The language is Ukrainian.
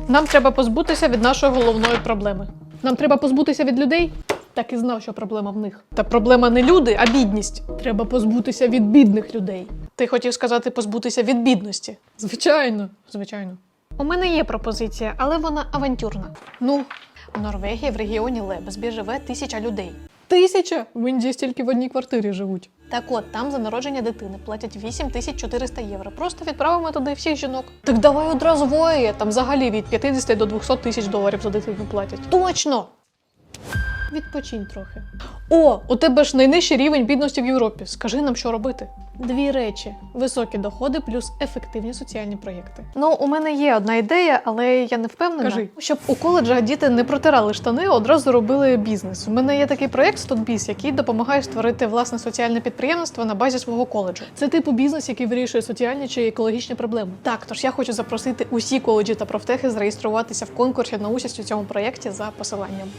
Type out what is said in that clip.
Нам треба позбутися від нашої головної проблеми. Нам треба позбутися від людей? Так і знав, що проблема в них. Та проблема не люди, а бідність. Треба позбутися від бідних людей. Ти хотів сказати позбутися від бідності? Звичайно, звичайно. У мене є пропозиція, але вона авантюрна. Ну, в Норвегії в регіоні Лебесбі живе 1000 людей. 1000? В Індії стільки в одній квартирі живуть. Так от, там за народження дитини платять 8400 євро. Просто відправимо туди всіх жінок. Так давай одразу в ОАЕ, там взагалі від 50 до 200 тисяч доларів за дитину платять. Точно! Відпочинь трохи. О, у тебе ж найнижчий рівень бідності в Європі. Скажи нам, що робити. 2 речі. Високі доходи плюс ефективні соціальні проєкти. Ну, у мене є одна ідея, але я не впевнена. Кажи. Щоб у коледжах діти не протирали штани, одразу робили бізнес. У мене є такий проєкт «Студбіз», який допомагає створити власне соціальне підприємство на базі свого коледжу. Це типу бізнес, який вирішує соціальні чи екологічні проблеми. Так, тож я хочу запросити усі коледжі та профтехи зареєструватися в конкурсі на участь у цьому проєкті за посиланням.